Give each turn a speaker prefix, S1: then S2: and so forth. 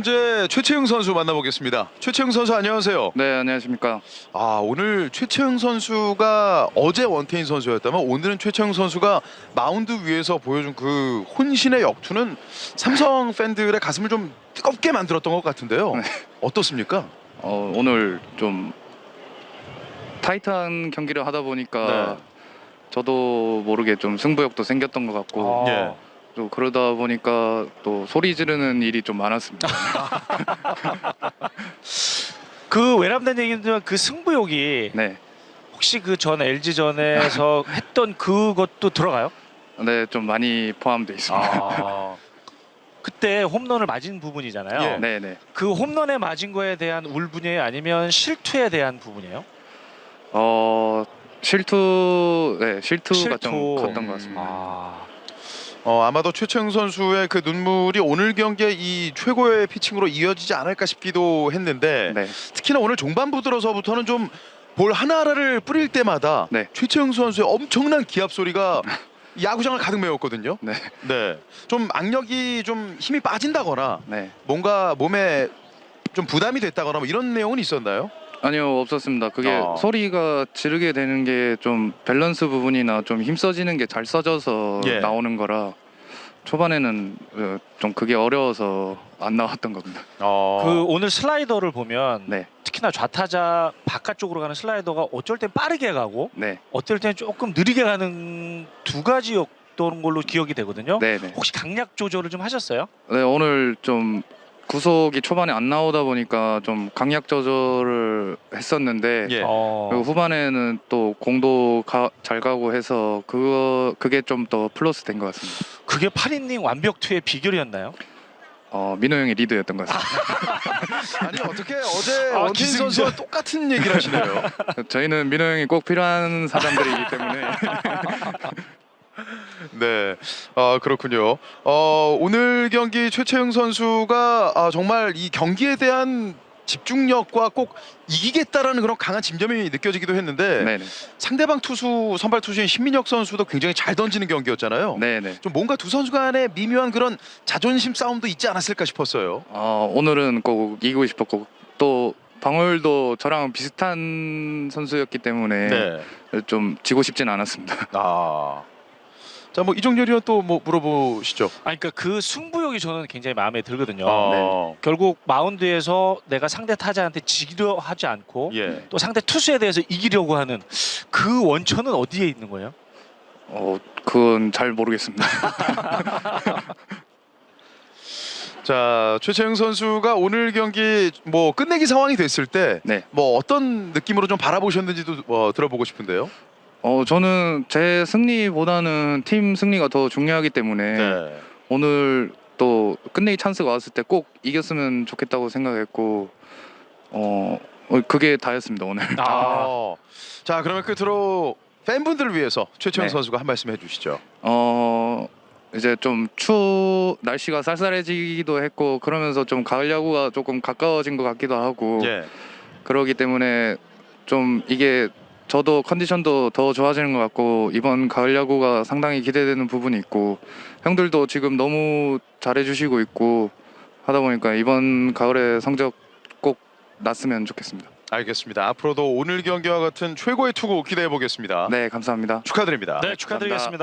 S1: 현재 최채흥 선수 만나보겠습니다. 최채흥 선수 안녕하세요.
S2: 네, 안녕하십니까.
S1: 오늘 최채흥 선수가 어제 원태인 선수였다면 오늘은 최채흥 선수가 마운드 위에서 보여준 그 혼신의 역투는 삼성 팬들의 가슴을 좀 뜨겁게 만들었던 것 같은데요.
S2: 네.
S1: 어떻습니까?
S2: 오늘 좀 타이트한 경기를 하다 보니까 저도 모르게 좀 승부욕도 생겼던 것 같고
S1: 예.
S2: 또 그러다 보니까 또 소리 지르는 일이 좀 많았습니다.
S3: 그 외람된 얘기지만 그 승부욕이
S2: 네,
S3: 혹시 그 전 LG전에서 했던 그것도 들어가요?
S2: 네, 좀 많이 포함되어 있습니다.
S3: 그때 홈런을 맞은 부분이잖아요.
S1: 예.
S2: 네, 네.
S3: 그 홈런에 맞은 거에 대한 울분이에요? 아니면 실투에 대한 부분이에요?
S2: 실투가 좀 컸던 것 같습니다.
S1: 아마도 최채흥 선수의 그 눈물이 오늘 경기에 이 최고의 피칭으로 이어지지 않을까 싶기도 했는데
S2: 네,
S1: 특히나 오늘 종반부 들어서부터는 좀 볼 하나하나를 뿌릴 때마다
S2: 네.
S1: 최채흥 선수의 엄청난 기합 소리가 야구장을 가득 메웠거든요.
S2: 네,
S1: 네, 좀 악력이 좀 힘이 빠진다거나
S2: 네.
S1: 뭔가 몸에 좀 부담이 됐다거나 뭐 이런 내용은 있었나요?
S2: 아니요, 없었습니다. 그게 소리가 지르게 되는 게 좀 밸런스 부분이나 좀 힘써지는 게 잘 써져서
S1: 예.
S2: 나오는 거라 초반에는 좀 그게 어려워서 안 나왔던 겁니다.
S3: 그 오늘 슬라이더를 보면
S2: 네,
S3: 특히나 좌타자 바깥쪽으로 가는 슬라이더가 어쩔 땐 빠르게 가고
S2: 네,
S3: 어떨 땐 조금 느리게 가는 두 가지였던 걸로 기억이 되거든요.
S2: 네, 네.
S3: 혹시 강약 조절을 좀 하셨어요?
S2: 네, 오늘 좀 구속이 초반에 안 나오다 보니까 좀 강약 조절을 했었는데
S1: 예.
S2: 그리고 후반에는 또 공도 잘 가고 해서 그게 좀 더 플러스 된 것 같습니다.
S3: 그게 8이닝 완벽투의 비결이었나요?
S2: 민호 형의 리드였던 것 같습니다.
S1: 아니 어떻게 어제 원태인
S3: 기승전.
S1: 선수와 똑같은 얘기를 하시네요.
S2: 저희는 민호 형이 꼭 필요한 사람들이기 때문에
S1: 네, 그렇군요. 오늘 경기 최채흥 선수가 정말 이 경기에 대한 집중력과 꼭 이기겠다라는 그런 강한 짐점이 느껴지기도 했는데
S2: 네네,
S1: 상대방 투수 선발 투수인 신민혁 선수도 굉장히 잘 던지는 경기였잖아요.
S2: 네네.
S1: 좀 뭔가 두 선수 간의 미묘한 그런 자존심 싸움도 있지 않았을까 싶었어요.
S2: 오늘은 꼭 이기고 싶었고 또 방울도 저랑 비슷한 선수였기 때문에
S1: 네.
S2: 좀 지고 싶진 않았습니다.
S1: 자, 뭐 이종렬 의원 또 뭐 물어보시죠.
S3: 그러니까 그 승부욕이 저는 굉장히 마음에 들거든요.
S1: 네.
S3: 결국 마운드에서 내가 상대 타자한테 지기려 하지 않고
S1: 예.
S3: 또 상대 투수에 대해서 이기려고 하는 그 원천은 어디에 있는 거예요?
S2: 그건 잘 모르겠습니다.
S1: 자, 최채흥 선수가 오늘 경기 뭐 끝내기 상황이 됐을 때
S2: 네.
S1: 뭐 어떤 느낌으로 좀 바라보셨는지도 들어보고 싶은데요.
S2: 저는 제 승리보다는 팀 승리가 더 중요하기 때문에
S1: 네.
S2: 오늘 또 끝내기 찬스가 왔을 때 꼭 이겼으면 좋겠다고 생각했고 그게 다였습니다 오늘.
S1: 자, 그러면 끝으로 팬분들을 위해서 최채흥
S2: 네.
S1: 선수가 한 말씀 해주시죠.
S2: 이제 좀 날씨가 쌀쌀해지기도 했고 그러면서 좀 가을 야구가 조금 가까워진 것 같기도 하고
S1: 예.
S2: 그러기 때문에 좀 이게 저도 컨디션도 더 좋아지는 것 같고 이번 가을 야구가 상당히 기대되는 부분이 있고 형들도 지금 너무 잘해주시고 있고 하다 보니까 이번 가을에 성적 꼭 났으면 좋겠습니다.
S1: 알겠습니다. 앞으로도 오늘 경기와 같은 최고의 투구 기대해 보겠습니다.
S2: 네, 감사합니다.
S1: 축하드립니다.
S3: 네, 축하드리겠습니다.